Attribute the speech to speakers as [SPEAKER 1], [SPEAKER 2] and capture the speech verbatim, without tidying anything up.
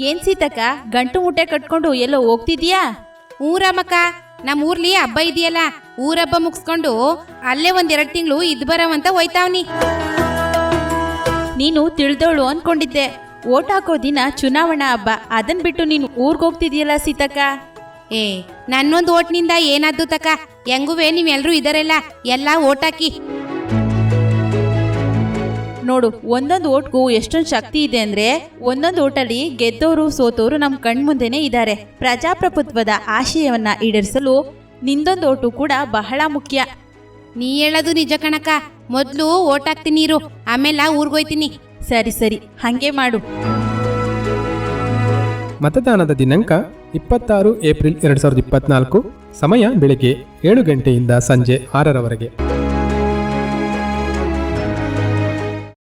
[SPEAKER 1] ಏನ್ ಸೀತಕ್ಕ ಗಂಟು ಮುಟ್ಟೆ ಕಟ್ಕೊಂಡು ಎಲ್ಲೋ ಹೋಗ್ತಿದ್ಯಾ?
[SPEAKER 2] ಊರಮ್ಮಕ್ಕ, ನಮ್ಮ ಊರ್ಲಿ ಹಬ್ಬ ಇದೆಯಲ್ಲ, ಊರಬ್ಬ ಮುಗಿಸ್ಕೊಂಡು ಅಲ್ಲೇ ಒಂದೆರಡು ತಿಂಗಳು ಇದ್ ಬರವಂತ ಹೋಯ್ತಾವ್ನಿ.
[SPEAKER 1] ನೀನು ತಿಳಿದವಳು ಅನ್ಕೊಂಡಿದ್ದೆ. ಓಟ್ ಹಾಕೋ ದಿನ ಚುನಾವಣಾ ಹಬ್ಬ, ಅದನ್ ಬಿಟ್ಟು ನೀನು ಊರ್ಗ್ ಹೋಗ್ತಿದ್ಯಲ್ಲ ಸೀತಕ್ಕ.
[SPEAKER 2] ಏ ನನ್ನೊಂದು ಓಟ್ನಿಂದ ಏನಾದ್ದು ತಕ, ಹೆಂಗುವೆ ನೀವೆಲ್ರೂ ಇದರೆಲ್ಲ ಎಲ್ಲ ಓಟ್ ಹಾಕಿ.
[SPEAKER 1] ನೋಡು, ಒಂದೊಂದು ಓಟ್ಗೂ ಎಷ್ಟೊಂದು ಶಕ್ತಿ ಇದೆ ಅಂದ್ರೆ, ಒಂದೊಂದು ಓಟಲ್ಲಿ ಗೆದ್ದೋರು ಸೋತೋರು ನಮ್ಮ ಕಣ್ಮುಂದೆನೇ ಇದ್ದಾರೆ. ಪ್ರಜಾಪ್ರಭುತ್ವದ ಆಶಯವನ್ನ ಈಡೇರಿಸಲು ನಿಂದೊಂದು ಓಟು ಕೂಡ ಬಹಳ ಮುಖ್ಯ.
[SPEAKER 2] ನೀ ಹೇಳೋದು ನಿಜ ಕಣಕ. ಮೊದಲು ಓಟ್ ಹಾಕ್ತೀನಿ ಇರು, ಆಮೇಲೆ ಊರ್ಗೋಯ್ತೀನಿ.
[SPEAKER 1] ಸರಿ ಸರಿ, ಹಂಗೆ ಮಾಡು.
[SPEAKER 3] ಮತದಾನದ ದಿನಾಂಕ ಇಪ್ಪತ್ತಾರು ಏಪ್ರಿಲ್ ಎರಡು ಸಾವಿರದ ಇಪ್ಪತ್ನಾಲ್ಕು. ಸಮಯ ಬೆಳಗ್ಗೆ ಏಳು ಗಂಟೆಯಿಂದ ಸಂಜೆ ಆರರವರೆಗೆ.